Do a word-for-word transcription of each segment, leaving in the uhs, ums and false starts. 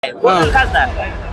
कोण खासदार?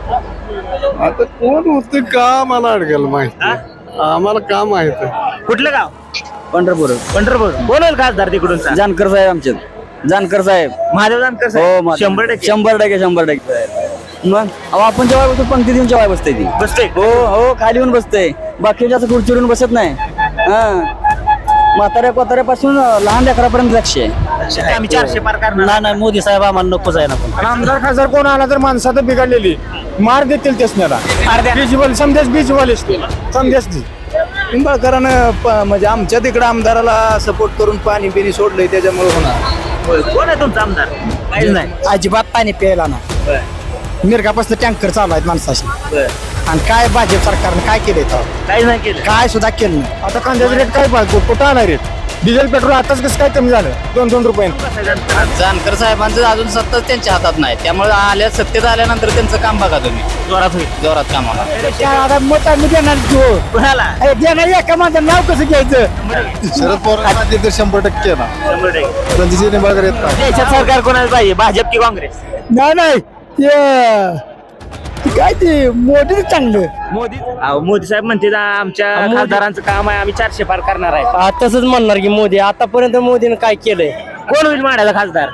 आता कोण होते का मला अडकेल माहिती आम्हाला का माहित आहे. कुठलं गाव? पंढरपूर पंढरपूर. कोण होईल खासदार तिकडून? जानकर साहेब आमचे जानकर साहेब महादेव जानकर हो साहेब. मा- शंभर टक्के शंभर टक्के शंभर टक्के मग अहो आपण जेव्हा बसतो पंक्ती देऊन जेव्हा बसते ती बसते. हो हो खाली येऊन बसते बाकी जास्त खुर्चीवरून बसत नाही हा म्हाताऱ्या कोताऱ्यापासून लहान लेकरापर्यंत लक्ष आहे. आम्ही चारशे पार करणार. नाही नाही मोदी साहेब आम्हाला नकोच आहे ना पण आमदार खासदार कोण आला तर माणसात बिघडलेली मार देतील त्यासण्याला अर्ध्या- बीजवाले समजेच बीजवाले असतील समजेच निंबाळकरांनं प- म्हणजे आमच्या तिकडे आमदाराला सपोर्ट करून पाणी बिनी सोडलंय त्याच्यामुळे होणार. होय. कोण आहे तुमचा आमदार? काहीच नाही. अजिबात पाणी प्यायला ना मिरगापासून टँकर चालू आहेत माणसाशी आणि काय भाजप सरकारनं काय केलंय तर काहीच नाही केलं. काय सुद्धा केलं नाही आता कांद्याचा रेट काय पाहिजे कुठं आला रेट डिझेल पेट्रोल आताच कसं काय कमी झालं दोन दोन रुपये जानकर साहेबांचं अजून सत्ताच त्यांच्या हातात नाही त्यामुळे आल्या सत्तेत आल्यानंतर त्यांचं काम बघा तुम्ही जोरात होईल. जोरात काम होणार आता मत आम्ही देणार जो कोणाला? देणार एका माझं नाव कसं घ्यायचं शरद पवार तर शंभर टक्के ना शंभर टक्के. रणजित निंबाळकर येत नाही. देशात सरकार कोणाला पाहिजे? भाजप की काँग्रेस? नाही नाही ते ते काय ते मोदी चांगलं मोदी. अहो, मोदी साहेब म्हणते ना, आमच्या खासदारांचं काम आहे, आम्ही चारशे पार करणार आहे. तसंच म्हणणार की मोदी आतापर्यंत मोदीने काय केलंय कोण होईल माड्याचा खासदार?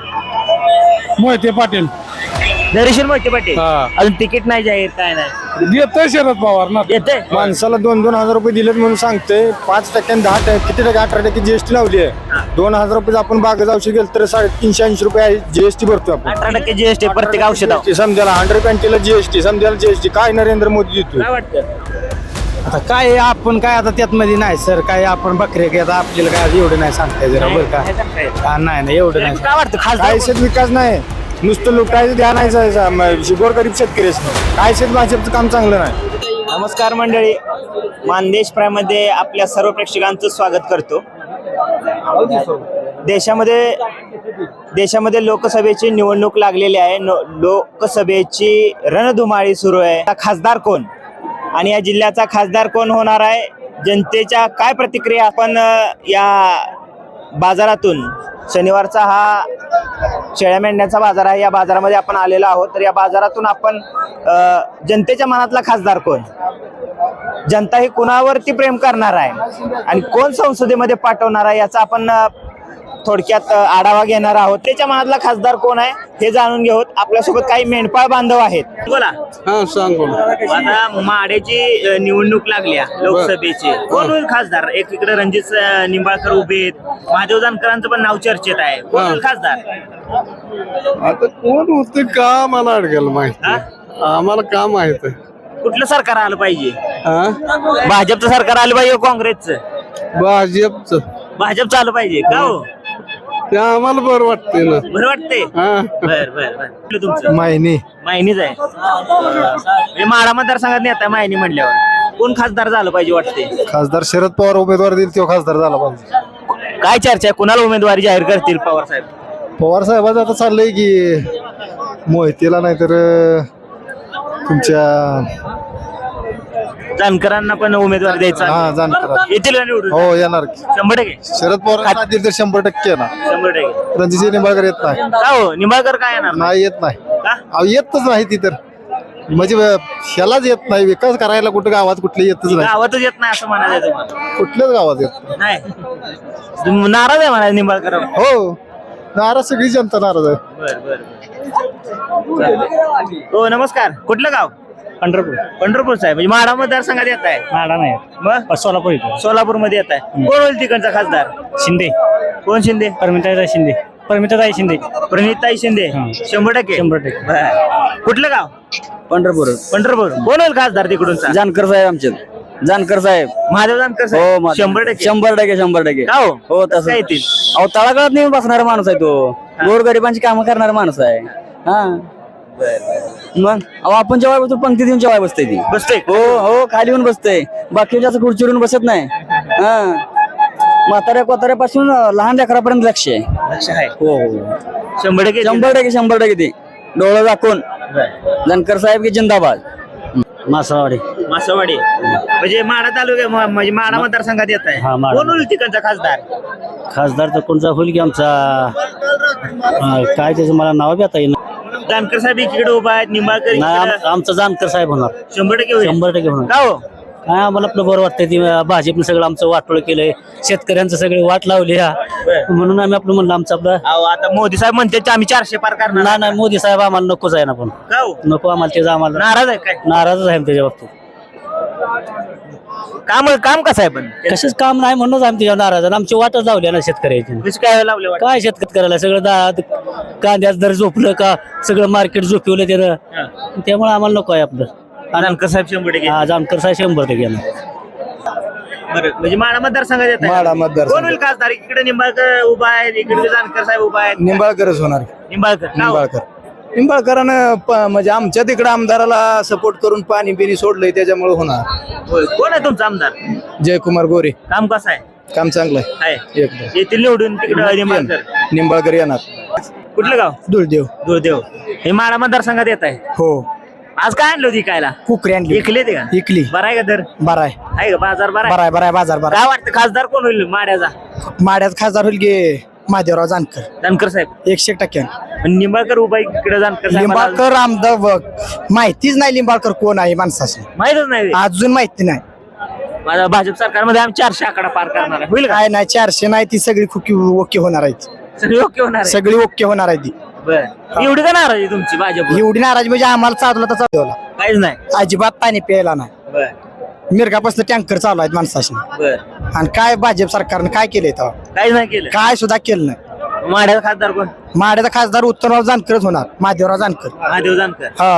मोहिते पाटील धैर्यशील मोहिते पाटील. हा. अजून तिकीट नाही जाहीर, काय नाही. देतोय शरद पवार ना येते. माणसाला दोन दोन हजार रुपये दिलेत म्हणून सांगते पाच टक्क्याने दहा टक्के किती टक्के अठरा टक्के जीएसटी लावली आहे दोन हजार रुपये आपण बागेत औषध गेलं तर साडेतीनशे ऐंशी रुपये जीएसटी भरतो आपण अठरा टक्के जीएसटी प्रत्येक औषधावर. समजायला हंड्रेड पॅन्टीला जीएसटी समजायला जीएसटी काय नरेंद्र मोदी देतो काय वाटतं? आता काय आपण काय आता त्यात मध्ये नाही सर काय आपण बकरे काय आता आपल्याला काय एवढं नाही सांगताय जरा बरं का हा, नाही नाही एवढं नाही काय वाटतं खासदार? काय शेत विकास नाही नुसतं लुटायचं ध्यान आहे गोरगरीब शेतकरीच काय शेत भाजपचं काम चांगलं नाही. नमस्कार मंडळी, मानदेश प्रायमध्ये आपल्या सर्व प्रेक्षकांचं स्वागत करतो. देशामध्ये देशामध्ये लोकसभेची निवडणूक लागलेली आहे. नो- लोकसभेची रणधुमाळी सुरू आहे. आता खासदार कोण आणि या जिल्ह्याचा खासदार कोण होणार आहे, जनतेच्या काय प्रतिक्रिया? आपण अ, या बाजारातून, शनिवारचा हा शेळ्या मेंढ्यांचा बाजार आहे, या बाजारामध्ये आपण आलेलो आहोत. तर या बाजारातून आपण अ, जनतेच्या मनातला खासदार कोण, जनता ही कुणावरती प्रेम करणार आहे आणि कोण संसदेमध्ये पाठवणार आहे याचा आपण अ, थोडक्यात अ, आढावा घेणार आहोत. त्याच्या मनातला खासदार कोण आहे हे जाणून घेऊत. आपल्यासोबत काही मेंढपाळ बांधव आहेत. बोला. हा सांग बोल. आता माड्याची अ, निवडणूक लागली आहे, लोकसभेची. कोण होईल खासदार? एकीकडे रणजित अ, निंबाळकर उभे आहेत, महादेव जानकरांचं पण नाव चर्चेत आहे. कोण होईल खासदार? आता कोण होते का मला अडकेल माहिती हा? आम्हाला का माहित आहे. कुठलं सरकार आलं पाहिजे? हा? भाजपचं सरकार आलं पाहिजे, काँग्रेसचं? भाजपचं भाजपचं आलं पाहिजे का हो? ते आम्हाला बरं वाटते ना. बरं वाटते. हा बर बर बर. कुठलं तुमचं? माहिनी मायनीच आहे. हे माडा मतदारसंघात नेता मायनी म्हणल्यावर कोण खासदार झालं पाहिजे वाटते? खासदार शरद पवार उमेदवार देईल तो खासदार झाला पाहिजे काय चर्चा आहे? कुणाला उमेदवारी जाहीर करतील पवार साहेब? पवार साहेबांचं आता चाललंय की मोहितेला नाहीतर तुमच्या जानकरांना पण उमेदवारी द्यायचा. हा जानकर येतील का निवडून? हो येणार की. शंभर टक्के. शरद पवार देईल तर शंभर टक्के ना शंभर टक्के. रणजित निंबाळकर येत नाही का हो? निंबाळकर काय येणार? नाही येत नाही का? अहो येतच नाही ती तर म्हणजे ह्यालाच येत नाही विकास करायला कुठं गावात कुठले येतच नाही गावातच येत नाही असं म्हणायचं तुम्हाला? कुठल्याच गावात येत नाही. तुम्ही नाराज आहे म्हणा निंबाळकर? हो नाराज सगळी जनता नाराज आहे. बर बर. हो नमस्कार. कुठलं गाव? पंढरपूर पंढरपूर साहेब. म्हणजे माडा मतदारसंघात येत आहे? माडा नाही मग सोलापूर इथं सोलापूर मध्ये येत आहे. कोण होईल तिकडचा खासदार? शिंदे कोण शिंदे? परमिताई शिंदे परमिताई शिंदे प्रणिताई शिंदे. हा. शंभर टक्के. शंभर टक्के. बर. कुठलं गाव? पंढरपूर पंढरपूर. कोण होईल खासदार तिकडून? जानकर साहेब आमचे जानकर साहेब महादेव जानकर हो साहेब. मा- शंभर टक्के. शंभर टक्के शंभर टक्के का हो? हो कसं तसं काय येतील? अहो तळागाळात नेऊन बसणारा माणूस आहे तो गोरगरिबांची कामं करणारा माणूस आहे हा मग अहो आपण जेव्हा बसतो पंक्ती देऊन जेव्हा बसते ती बसते. हो हो खाली येऊन बसते बाकी जास्त खुर्चीवरून बसत नाही हा म्हाताऱ्या कोताऱ्यापासून लहान लेकरापर्यंत लक्ष आहे लक्ष आहे. हो हो शंभर टक्के. शंभर टक्के शंभर टक्के ते डोळं दाखवून जानकर साहेब की जिंदाबाद. मासावाडी मासवाडी म्हणजे माडा तालुक्या म- म्हणजे माडा मतदारसंघात येत आहे. हा, माढा. कोण होईल तिकडचा खासदार? खासदार तर कोणता होईल की आमचा काय त्याचं मला नाव बी आता येईल जानकर साहेब एकीकडे उभा आहेत, निंबाळकर इकडं. आमचा जानकर साहेब होणार शंभर टक्के होईल. शंभर टक्के होणार का हो काय आम्हाला आपलं बरं वाटतंय ती भाजपनं सगळं आमचं वाटोळ केलंय शेतकऱ्यांचं सगळे वाट लावली हा म्हणून आम्ही आपलं म्हणलं आमचं आपलं अहो, आता मोदी साहेब म्हणते की आम्ही चारशे पार करणार. नाही नाही मोदी साहेब आम्हाला नकोच आहे ना पण का हो नको आम्हाला त्याचं आम्हाला नाराज आहे काय? नाराजच आहे त्याच्या बाबतीत काम काम कसं आहे पण कशाच काम नाही म्हणूनच आम्ही त्याच्या नाराज आहे. आमची वाटच लावली ना शेतकऱ्याची कशी काय लावले वाटतं? काय शेतकऱ्याला सगळं दा- कांद्याचं दर झोपलं का सगळं मार्केट झोपवलं त्यानं हा. त्यामुळे आम्हाला नको आहे आपलं जानकर साहेब शंभर टक्के. हा जानकर साहेब शंभर टक्के येणार. बरं म्हणजे माडा मतदारसंघात येत माढा मतदारसंघ. कोण होईल खासदार? इकडे निंबाळकर उभा आहे, इकडे जानकर साहेब उभा आहेत. निंबाळकरच होणार निंबाळकर का हो? निंबाळकर निंबाळकरानं प- म्हणजे आमच्या तिकडे आमदाराला सपोर्ट करून पाणी बिनी सोडलंय त्याच्यामुळे होणार. होय. कोण आहे तुमचा आमदार? जयकुमार गोरे काम कसं आहे? काम चांगलं आहे आहे एकदम. येथील निवडून तिकडे निंबाळकर. निंबाळकर येणार. कुठलं गाव? दुलदेव. दुर्देव. हे माडा मतदारसंघात येत आहे. हो आज काय आणलं होती कायला? कुकरी आणली इकले ते का? इकली. बरं आहे का दर? बरा आहे आहे का बाजार बरा बरा आहे बरा आहे बाजार बरा काय वाटतं खासदार कोण होईल माड्याचा? आहे. माड्यात खासदार होईल गे महादेवराव जानकर जानकर साहेब. एकशे टक्क्यानं. आणि निंबाळकर उभा आहे इकडे जानकर साहेब. लिंबाळकर आमदार बघ माहितीच नाही लिंबाळकर कोण आहे माणसाची माहितच नाही. अजून माहिती नाही माझा भाजप सरकारमध्ये आम्ही चारशे आकडा पार करणार आहे. होईल का? काय नाही चारशे नाही ती सगळी खुकी ओके होणार आहे ती. सगळी ओके होणार आहे. सगळी ओके होणार आहे ती. बरं एवढी का नाराज आहे तुमची भाजप? एवढी नाराज म्हणजे आम्हाला चालवला तर चालवला काहीच नाही. अजिबात पाणी प्यायला नाही. बर मिरगापासून टँकर चालू आहेत माणसाशी बर आणि काय भाजप सरकारनं काय केलंय तेव्हा काहीच नाही केलं. काय सुद्धा केलं नाही. माड्याचा खासदार कोण? माड्याचा खासदार उत्तरराव जानकरच होणार महादेवराव जानकर. महादेव जानकर. हा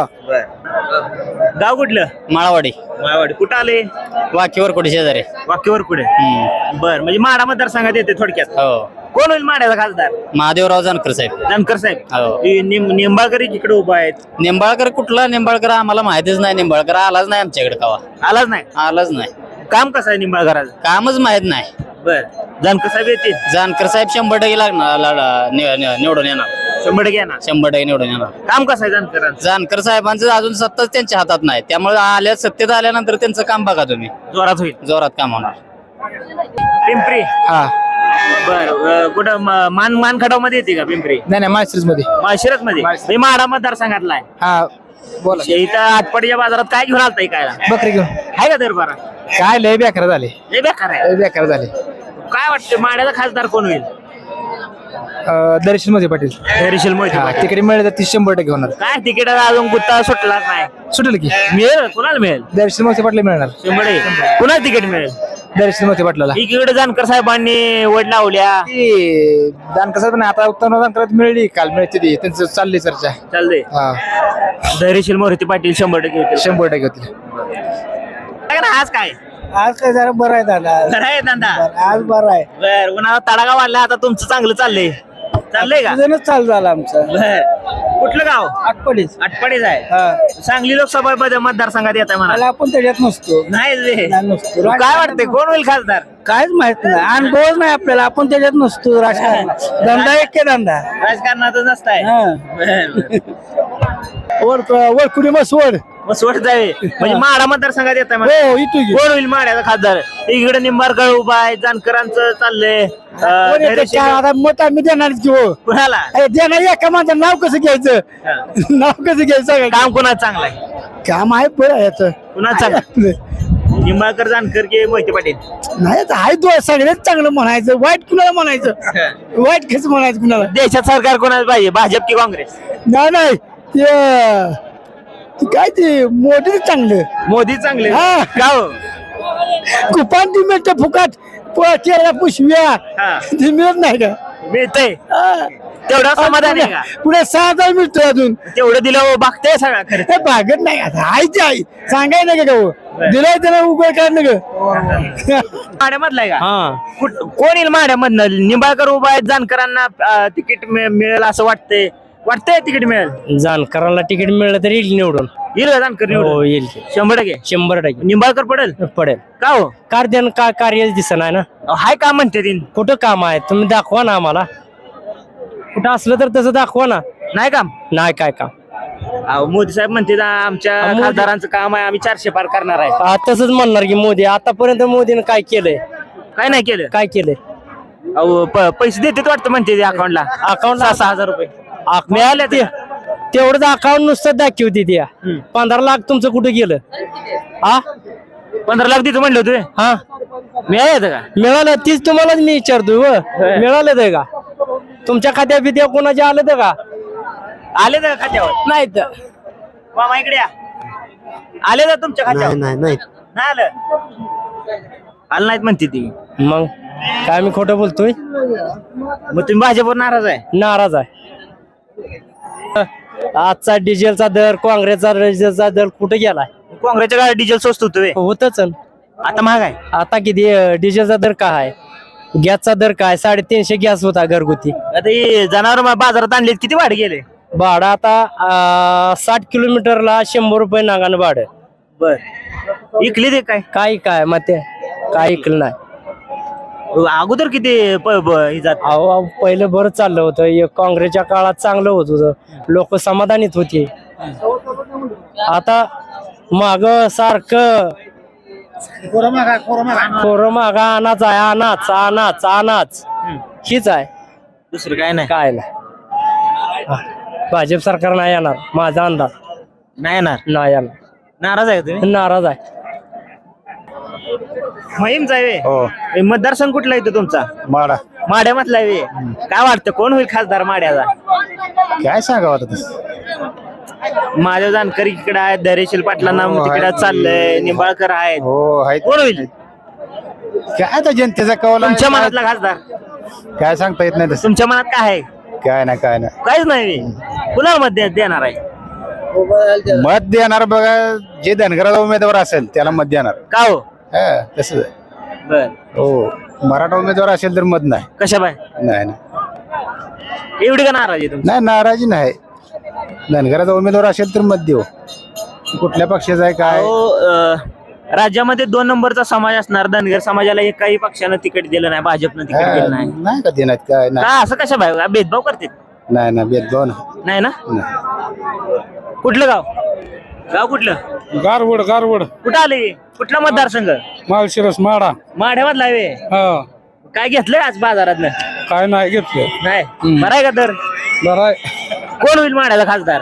बर गाव कुठलं? माळावाडी माळवाडी. कुठं आले? वाकीवर कुठे शेजारी वाक्यावर कुठे? बर म्हणजे माडा मतदारसंघात येते थोडक्यात. हो कोण होईल माड्याचा खासदार? महादेवराव जानकर साहेब जानकर साहेब. हो. हे निंब- निंबाळकर इकडे उभा आहेत. निंबाळकर कुठला निंबाळकर आम्हाला माहितीच नाही निंबाळकर आलाच नाही आमच्याकडे कवा आलाच नाही. आलाच नाही काम कसं आहे निंबाळकराचं? कामच माहित नाही बर जानकर साहेब येतील जानकर साहेब शंभर टक्के लागणार ला- नि- नि- निवडून येणार शंभर टक्के येणार. शंभर टक्के निवडून येणार काम कसं आहे जानकरांचं? जानकर साहेबांचं अजून सत्ताच त्यांच्या हातात नाही त्यामुळे आल्या सत्तेत आल्यानंतर त्यांचं काम बघा तुम्ही जोरात होईल. जोरात काम होणार पिंपरी. हा बर अं, कुठं म- मान मानखटाव मध्ये येते का पिंपरी? नाही नाही माळशिरस मध्ये. माळशिरस मध्ये. मी माडा मतदारसंघातला आहे. हा बोला इथं आटपाडीच्या बाजारात काय घेऊन आलताय काय? बकरी घेऊन आहे का दर बारा? काय लय बेकार झाले लय बेकार आहे. लय बेकार झाले. काय वाटतं माड्याचा खासदार कोण होईल? दर्शन मध्ये पाटील. हरीशील मोहिते पाटील. तिकडे मिळेल तर ती शंभर टक्के होणार. काय तिकीट अजून गुत्ता सुटला नाही. सुटेल की मिळेल कुणाला मिळेल? दर्शन मोठे पाटला मिळणार. शंभर टक्के. कुणाला तिकीट मिळेल? दर्शन मोठे पाटलाला इकडे जानकर साहेबांनी वड लावल्या. ती दानकर साहेब नाही आता उत्तर दानकर मिळली काल मिळते ती त्यांचं चालली चर्चा. चालतंय. हा धैर्यशील मोहिते पाटील शंभर टक्के होतील. शंभर टक्के होतील. काय ना आज काय आज काय जरा बरं आहे दादा. बरं आहे धंदा. आज बरं आहे. बर उन्हाळा तडागा वाढला आता तुमचं चांगलं चाललंय. चाललंय का? सीझनच चालू झाला आमचा. बर कुठलं गाव? आठवडीच. आटपाडीच आहे. हा सांगली लोकसभा मध्ये मतदारसंघात येत आहे मला मला. आपण त्याच्यात नसतो. नाही रे. नाही नसतो. काय वाटतंय कोण होईल खासदार? काहीच माहित नाही अनुभवच नाही आपल्याला आपण त्याच्यात नसतो. राजकारण धंदा एक के धंदा. राजकारणातच नसताय. वड वडकुडी मस्त वड. मग सोड जावे म्हणजे माडा मतदारसंघात येत आहे मला. हो इथू कोण होईल माड्याचा खासदार? इकडे निंबाळकर उभा आहे, जानकरांचं चाललंय. अं, धैर्यशील- आता मत आम्ही देणार की हो. कुणाला? अरे देणार एका माझं नाव कसं घ्यायचं. हा. नाव कसं घ्यायचं. काम कुणाचं चांगलं आहे? काम आहे बरं याचं. कुणाचं चांगलं? निंबाळकर, जानकर की मोहिते पाटील? नाही आता आहे तो सगळ्यात चांगलं म्हणायचं. वाईट कुणाला म्हणायचं. वाईट कसं म्हणायचं कुणाला. देशात सरकार कोणाला पाहिजे, भाजप की काँग्रेस? नाही नाही ते ते काय ते मोदी चांगलं. मोदी चांगले. हा. का हो? कुपान ती मिळतं फुकाट प- केळ्या पुशव्या हा. ती मिळत नाही का. मिळतंय हा. तेवढा समाधान आहे का? पुढे सहा हजार मिळतोय अजून. तेवढं दिलं बघताय सगळा खर्च. हे भागत नाही आता आई ती आई सांगाय नाही का हो. दिलाय त्याला उभं काय ना ग. माड्यामधला आहे का? कुठ- कोण येईल माड्यामधनं? निंबाळकर उभा आहेत, जानकरांना अं, तिकीट मिळ- मिळेल असं वाटतंय. वाटतंय तिकीट मिळेल? जानकरांना तिकीट मिळलं तर येईल निवडून येईल का जानकर निवडून? हो येईल की. शंभर टक्के. शंभर टक्के निंबाळकर पडेल पडेल का हो? कार्य का कार्य दिसणार ना अहो, हाय का म्हणते तीन? कुठं काम आहे तुम्ही दाखवा ना आम्हाला कुठं असलं तर तसं दाखवा ना नाही काम? नाही काय काम अहो, मोदी साहेब म्हणते ना, आमच्या मोदी- खासदारांचं काम आहे, आम्ही चारशे पार करणार आहे. आ, तसंच म्हणणार की मोदी आतापर्यंत मोदीने काय केलंय काय नाही केलं? काय केलंय अहो प- पैसे देते वाटतं म्हणते अकाउंटला. अकाउंट सहा सहा हजार रुपये मिळाले ते तेवढंच अकाउंट नुसतं दाखवते त्या पंधरा लाख तुमचं कुठे गेलं हा पंधरा लाख देतो म्हणलं होतं हा मिळालं का मिळालं तीच तुम्हालाच मी विचारतो व मिळालं ते का तुमच्या खात्या बिद्या कोणाच्या आलं तर का आले तर खात्यावर नाही तर मामा इकडे या. आले तर तुमच्या खात्यावर नाही नाही नाही आलं आलं नाहीत म्हणते ती मग काय मी खोटं बोलतोय मग तुम्ही भाजपवर नाराज आहे नाराज आहे आजचा डिझेलचा दर काँग्रेसचा डिझेलचा दर कुठे गेलाय काँग्रेसच्या गाडी डिझेल स्वस्त होतं व्हय. होतच आता महाग आहे आता किती डिझेलचा दर काय आहे गॅसचा दर काय साडेतीनशे गॅस होता घरगुती आता हे जनावर बाजारात आणले किती वाढ गेले भाडं आता अं, साठ किलोमीटरला शंभर रुपये नागानं भाडं बर इकली ते काय काय काय मग ते काय ऐकलं नाही अगोदर किती प- ब- हे जात अहो अहो, पहिलं बरं चाललं होतं हे काँग्रेसच्या काळात चांगलं होत होतं लोक समाधानीत होते आता माग सारखं कोरं मागा अनाच आहे अनाच अनाच अनाच हीच आहे दुसरं काय नाही काय नाही हा. भाजप सरकार नाही येणार माझा अंदाज नाही येणार नाही येणार नाराज आहे तुम्ही नाराज आहे महिमचा आहे व्हय? हो हे मतदारसंघ कुठला येतो तुमचा माडा माड्यामधला आहे व्हय? काय वाटतं कोण होईल खासदार माड्याचा काय सांगावं आता तसं? माझ्या जानकारी इकडे आहे धैर्यशील पाटलांना हो, तिकडे आहेत. चाललंय निंबाळकर आहेत हो आहेत. कोण होईल काय आता जनतेचा कौल आहे. तुमच्या मनातला खासदार काय सांगता येत नाही तसं तुमच्या मनात काय आहे काय नाही काय नाही काहीच नाही व्हय. कुणाला मत दे- देणार आहे मत देणार बघा जे धनगराचा उमेदवार असेल त्याला मत देणार का हो हा, तसंच आहे. बर हो मराठा उमेदवार असेल तर मत नाही कशा बाय नाही नाही. एवढी का नाराज आहे तुमची नाही नाराजी नाही धनगराचा उमेदवार असेल तर मत देऊ कुठल्या पक्षाचा आहे काय अहो, अं, राज्यामध्ये दोन नंबरचा समाज असणार धनगर समाजाला एकाही पक्षानं तिकीट दिलं नाही भाजपनं तिकीट हा, दिलं नाही नाही का देण्यात काय नाही का असं कशा बाय भेदभाव करते नाही ना भेदभाव नाही. नाही ना नाही. कुठलं गाव गाव कुठलं गारवड गारवड कुठं आले कुठला मतदारसंघ माळशिरस माडा माढ्यामधला आहे व्हय. हा काय घेतलंय आज बाजारात काय नाही घेतलं नाही बरं आहे का तर बरं कोण होईल माढ्याचा खासदार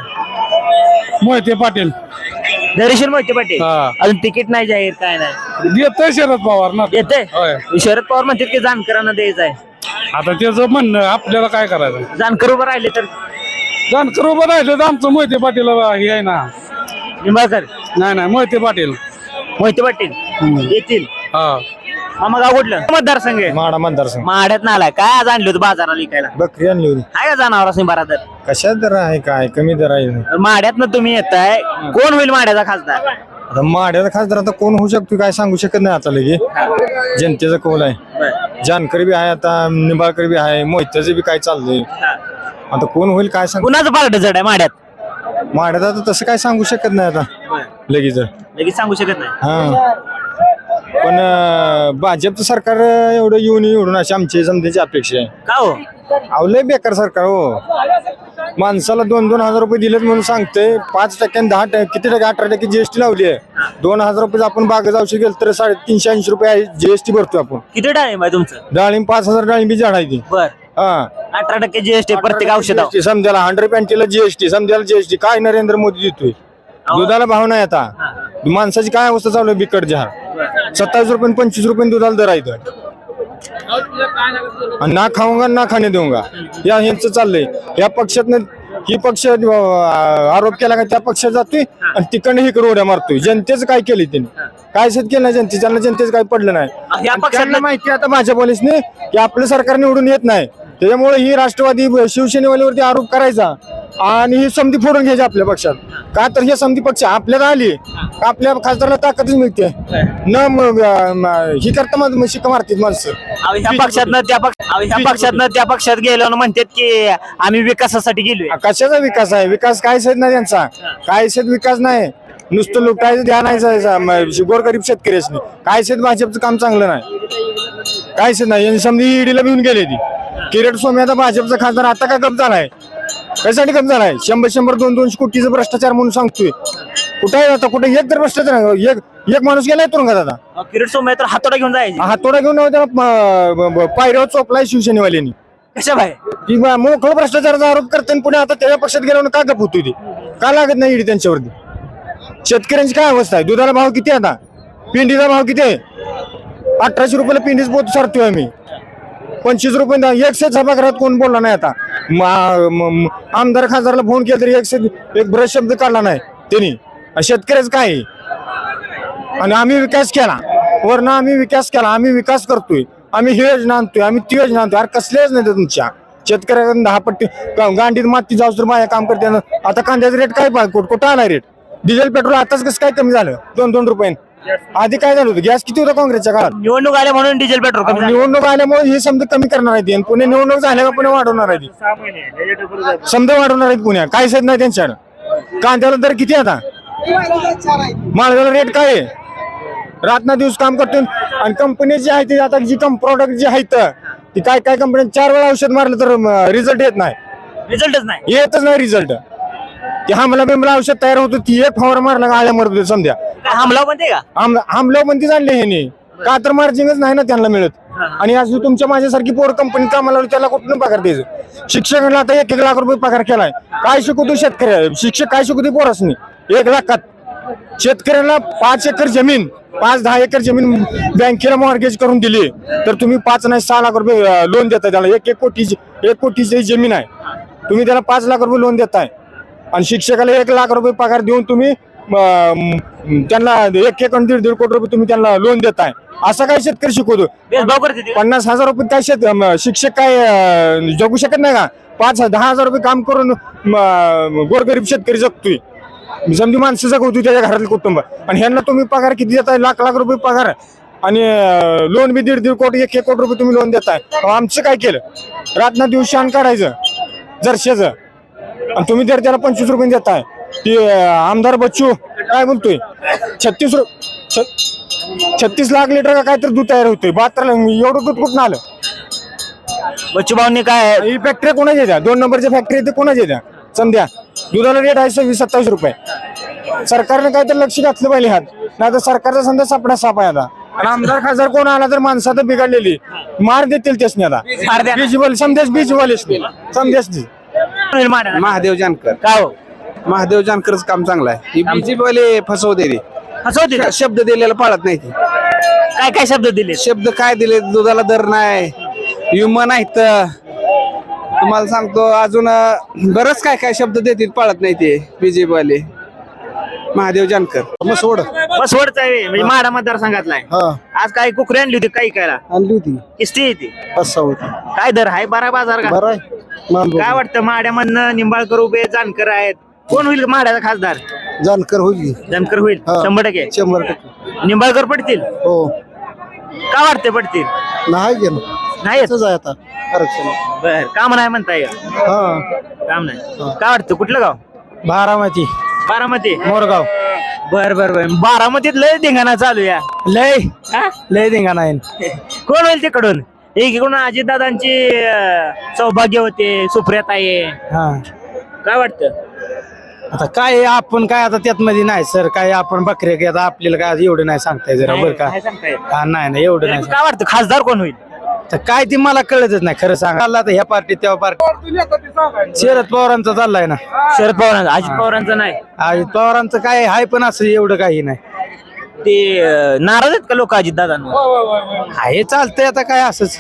मोहिते पाटील धैर्यशील मोहिते पाटील हा. अजून तिकीट नाही जाहीर काय नाही देतोय शरद पवार ना येते होय. शरद पवार म्हणतात की जानकरांना द्यायचं आहे आता त्याचं म्हणणं आपल्याला काय करायचं जानकर उभं राहिले तर जानकर उभं राहिलं तर आमचं मोहिते पाटील हे आहे ना निंबाळकर नाही नाही मोहिते पाटील मोहिते पाटील येतील हा मामा गाव कुठलं मतदारसंघ आहे माडा मतदारसंघ माड्यात नाला काय आज आणलं होतं बाजाराला विकायला बकरी आणली होती आहे का जनावर असं बरा तर कशात दर आहे काय कमी दर आहे माड्यातनं तुम्ही येताय कोण होईल माड्याचा खासदार आता माड्याचा खासदार आता कोण होऊ शकतो काय सांगू शकत नाही आता लगे जनतेचा कौल आहे जानकर बी आहे आता निंबाळकर बी आहे मोहित्याचं बी काय चाललंय आता कोण होईल काय सांग कुणाचं पार्ट जड आहे माड्यात माड्यात आता तसं काय सांगू शकत नाही आता लगेच लगेच सांगू शकत नाही हा पण अं, भाजपचं सरकार एवढं येऊन एवढून अशी आमची समजायची अपेक्षा आहे का हो अहो लय बेकार सरकार हो माणसाला दोन दोन हजार रुपये दिलेत म्हणून सांगते पाच टक्क्याने दहा टक्के किती टक्के अठरा टक्के जीएसटी लावली आहे दोन हजार रुपये आपण बागा जाऊशी गेल तर साडेतीनशे ऐंशी रुपये जीएसटी भरतो आपण किती डाळिंब आहे तुमचं डाळिंब पाच हजार डाळिंबी झाड आहे ती बर हा अठरा टक्के जीएसटी प्रत्येक औषधावर GST समजायला हंड्रेड पॅन्टीला जीएसटी समजायला जीएसटी काय नरेंद्र मोदी देतोय दुधाला भाव नाही आता माणसाची काय अवस्था चालू आहे बिकट जहा सत्तावीस रुपये पंचवीस रुपये दुधाला दर आहे आणि ना खाऊंगा ना खाणे देऊंगा या ह्यांचं चाललंय या पक्षातनं ही पक्ष अं, आरोप केला का त्या पक्षात जातोय आणि तिकडनं इकडे उड्या मारतोय जनतेचं काय केलं त्यांनी काय शेत केलं नाही जनते त्यांना जनतेचं काही पडलं नाही या आणि पक्षातलं- त्यांना माहिती आहे आता माझ्या पोलिसने की आपलं सरकार निवडून येत नाही त्याच्यामुळे ही राष्ट्रवादी शिवसेनेवाल्यावरती आरोप करायचा आणि ही संधी फोडून घ्यायची आपल्या पक्षात का तर ही संधी पक्ष आपल्याला आली का आपल्या खासदाराला ताकदच मिळते न म- म- ही करता मग शिक्का मारतील माणसं अहो, ह्या पक्षातनं त्या पक्ष अहो, ह्या पक्षातनं त्या पक्षात गेलो ना म्हणतात की आम्ही विकासासाठी गेलोय कशाचा विकास आहे विकास कायच नाही त्यांचा कायच विकास नाही नुसतं लुटायचं ध्यान आहे गोरगरीब शेतकऱ्याची कायच भाजपचं काम चांगलं नाही कायच नाही यांनी समजी ईडीला भिवून गेले ती किरीट स्वामी आता भाजपचा खासदार आता का गप झालाय कशासाठी गप झालाय शंभर शंभर दोन दोनशे कोटीचा भ्रष्टाचार म्हणून सांगतोय कुठे आहे आता कुठे एक तर भ्रष्टाचार नाही. एक एक माणूस गेलाय तुरुंगात आता अहो, किरीट सोमय्या तर हातोडा घेऊन जायचे हातोडा घेऊन त्याला पायऱ्यावर चोपलाय शिवसेनेवाल्यांनी कशा बाय की बा- मोकळं भ्रष्टाचाराचा आरोप करते आणि पुणे आता त्याच्या पक्षात गेल्यावर का गप होती ती का लागत नाही ईडी त्यांच्यावरती. शेतकऱ्यांची काय अवस्था आहे? दुधाला भाव किती आहे आता? पिंडीचा भाव किती आहे? अठराशे रुपयाला पिंडीच पोत सारतोय आम्ही. पंचवीस रुपये एकशे सभागृहात कोण बोलला नाही आता. मा- म- म- आमदार खासदारला फोन केला तरी एकशे एक ब्रश शब्द काढला नाही त्यांनी. शेतकऱ्याच काय आहे? आणि आम्ही विकास केला वरनं आम्ही विकास केला आम्ही विकास करतोय आम्ही ही योजना आणतोय आम्ही ती योजना आणतोय. अरे कसल्याच नाही तुमच्या शेतकऱ्याकडून दहा पट्टी गा- गांडीत माती जाऊस तर माझ्या काम करते. आता कांद्याचा रेट काय पा- कुठं कुठं आला रेट? डिझेल पेट्रोल आताच कसं काय कमी झालं दोन दोन रुपये? आधी काय झालं होतं? गॅस किती होता काँग्रेसच्या काळात? निवडणूक आल्या म्हणून डिझेल पेट्रोल कमी झालं. निवडणूक आल्यामुळे हे समजा कमी करणार आहे ती. आणि पुणे निवडणूक झाल्या का पुणे वाढवणार आहे ती. समजा वाढवणार आहेत पुण्या काय साईड नाही त्यांच्याकडे. कांद्याला दर किती आता? माळव्याला रेट काय आहे? रातना दिवस काम करतो आणि कंपनी जी आहे ती आता जी कम प्रॉडक्ट जी आहेत ती काय काय कंपनी चार वेळा औषध मारलं तर रिझल्ट येत नाही. रिझल्टच नाही. येतच नाही रिझल्ट. ती हमला बिमला औषध तयार होतं ती एक फवार मारला का आल्या मरत समजा. काय हमला म्हणते का? हमला पण ती जाणले ह्याने का तर मार्जिनच नाही ना त्यांना मिळत. आणि आज तुमच्या माझ्यासारखी पोर कंपनी कामाला लावली, त्याला कुठून पगार द्यायचं? शिक्षकांना आता एक एक लाख रुपये पगार केलाय. काय शिकवतो शेतकऱ्या? शिक्षक काय शिकवतो पोरासनी? एक लाखात शेतकऱ्याला पाच एकर जमीन पाच दहा एकर जमीन बँकेला मॉर्गेज करून दिली तर तुम्ही पाच नाही सहा लाख रुपये लोन देताय त्याला. एक एक कोटीची एक कोटीची जमीन आहे तुम्ही त्याला पाच लाख रुपये लोन देताय. आणि शिक्षकाला एक लाख रुपये पगार देऊन तुम्ही अं, त्यांना एक एक आणि दीड दीड कोटी रुपये तुम्ही त्यांना लोन देताय. असं काय शेतकरी शिकवतो? भेदभाव करते ते. पन्नास हजार रुपये काय शेत अं, शिक्षक काय अं, जगू शकत नाही का? पाच दहा हजार रुपये काम करून अं, गोरगरीब शेतकरी जगतोय. समजी माणसं जगवतोय त्याच्या घरातले कुटुंब. आणि ह्यांना तुम्ही पगार किती देताय? लाख लाख रुपये पगार आणि लोन बी दीड दीड कोटी एक एक कोटी रुपये तुम्ही लोन देताय. आमचं काय केलं? रातना दिवस शान काढायचं जरशेचं आणि तुम्ही जर त्याला पंचवीस रुपये देताय. ती आमदार बच्चू काय बोलतोय छत्तीस रु छत्तीस लाख लिटर का काय तर दूध तयार होतोय. बहात्तर एवढं दूध कुठून आलं? बच्चू भाऊंनी काय ही फॅक्टरी कोणाच्या येत्या? दोन नंबरच्या फॅक्टरी ते कोणाच्या येत्या? समजा दुधाला रेट आहे सव्वीस सत्तावीस रुपये. सरकारने काय तर लक्ष घातलं पाहिजे हात. नाही तर सरकारचा समजा सापडा साप आहे आता. आणि आमदार खासदार कोण आला तर माणसात बिघडलेली मार देतील त्यासनी आता. बीजवाल समजाच बीजवाले समजाच महादेव जानकर. काय हो महादेव जानकरच काम चांगलं आहे. बीजेपीवाले फसवते रे. हसवते का? शब्द दिलेला पाळत नाही ते. काय काय शब्द दिले? शब्द काय दिले? दुधाला दर नाही, विमा नाहीत. तुम्हाला सांगतो अजून अं, बरंच काय काय शब्द देतील पाळत नाही ते बीजेपीवाले. महादेव जानकर मसवड बस वडच आहे म्हणजे माडा मतदारसंघातला आहे. आज काय कुकरी आणली होती काही करायला? आणली होती किस्ती येते पाच होती. काय दर आहे? बारा बाजार का? बरं आहे काय वाटतं माड्यामधनं निंबाळकर उभे जानकर आहेत कोण होईल माड्याचा खासदार? जानकर होईल जानकर होईल हा. शंभर टक्के. शंभर टक्के निंबाळकर पडतील हो. का वाटते पडतील? नाही गेलं नाही येत. आहे आता आरक्षण. बर काम नाही म्हणताय का? हा काम नाही काय वाटतं कुठलं गाव? बारामती बारामती. मोरगाव. बर बर बर बारामतीत लय धिंगाणा चालू या. लय हा? लय धिंगाणा आहे. कोण होईल तिकडून? एकीकडून अजितदादांची अं, सौभाग्य होते सुप्रियाताई आहे. हा काय वाटतं? आता काय आपण काय आता त्यात मध्ये नाही सर काय आपण बकरे की आता आपल्याला काय एवढं नाही सांगताय जरा बरं का? काय सांगता येत? हा, नाही नाही एवढं नाही काय वाटतं खासदार कोण होईल? तर काय ते मला कळतच नाही खरं सांगा. चालला आता ह्या पार्टी तेव्हा पार्टी शरद पवारांचा चाललाय ना. शरद पवारांचं अजित पवारांचं नाही. अजित पवारांचं काय आहे पण असं एवढं काही नाही. ते अं, नाराज आहेत का लोक अजित दादांवर? आहे चालतंय आता काय असंच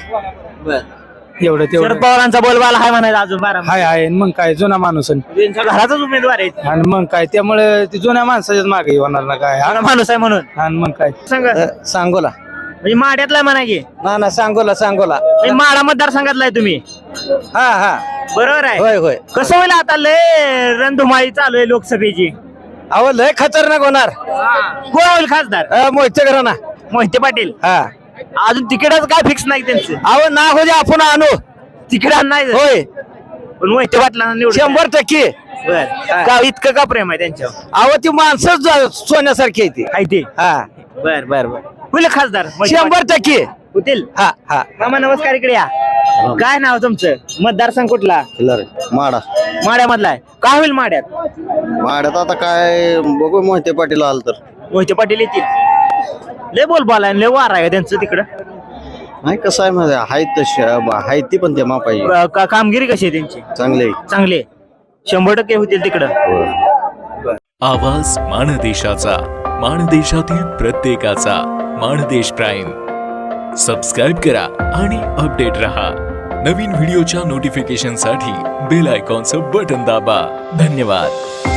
एवढं शरद तेवढं पवारांचा बोलबाला हाय म्हणायचं अजून बारा हाय आहे मग काय जुना माणूस आहे. त्यांच्या घराचाच उमेदवार आहे. आणि मग काय त्यामुळे ते जुन्या माणसाच्याच मागे होणार ना काय. हा माणूस आहे म्हणून आणि मग काय सांगा सांगोला म्हणजे माड्यातला म्हणा की ना ना सांगोला सांगोला म्हणजे माडा मतदारसंघातला आहे तुम्ही हा हा बरोबर आहे. होय होय. कसं होईल आता लय रणधुमाळी चालू आहे लोकसभेची. अहो लय खतरनाक होणार. कोण होईल खासदार? मोहिते घराना मोहिते पाटील. हा अजून तिकीटच काय फिक्स नाही त्यांचं. अहो ना हो दे आपण आणू तिकीट नाही होय पण मोहिते पाटलांना निवडून शंभर टक्के. बर का इतकं का प्रेम आहे त्यांच्यावर? अहो ती माणसं सोन्यासारखी आहे ती. आहे ते. हा बर बर बर होईल खासदार मोहिते शंभर टक्के पाटील? होतील. हा हा मामा नमस्कार इकडे या. काय नाव तुमचं? मतदारसंघ कुठला? माडा माड्यामधला आहे. काय होईल माड्यात? माड्यात आता काय बघू मोहिते पाटील आलं तर मोहिते पाटील येतील. लय बोल बोलाय लय वार आहे त्यांचं तिकडं. नाही कसं आहे माझ्या आहेत तशी आहेत ती पण ते मापाई का- का- कामगिरी कशी आहे त्यांची? चांगले चांगली आहे. शंभर टक्के होतील तिकडं. आवाज माणदेशाचा, माणदेशातील प्रत्येकाचा. माणदेश प्राईम सबस्क्राईब करा आणि अपडेट रहा. नवीन व्हिडिओच्या नोटिफिकेशनसाठी बेल आयकॉनचं बटन दाबा. धन्यवाद.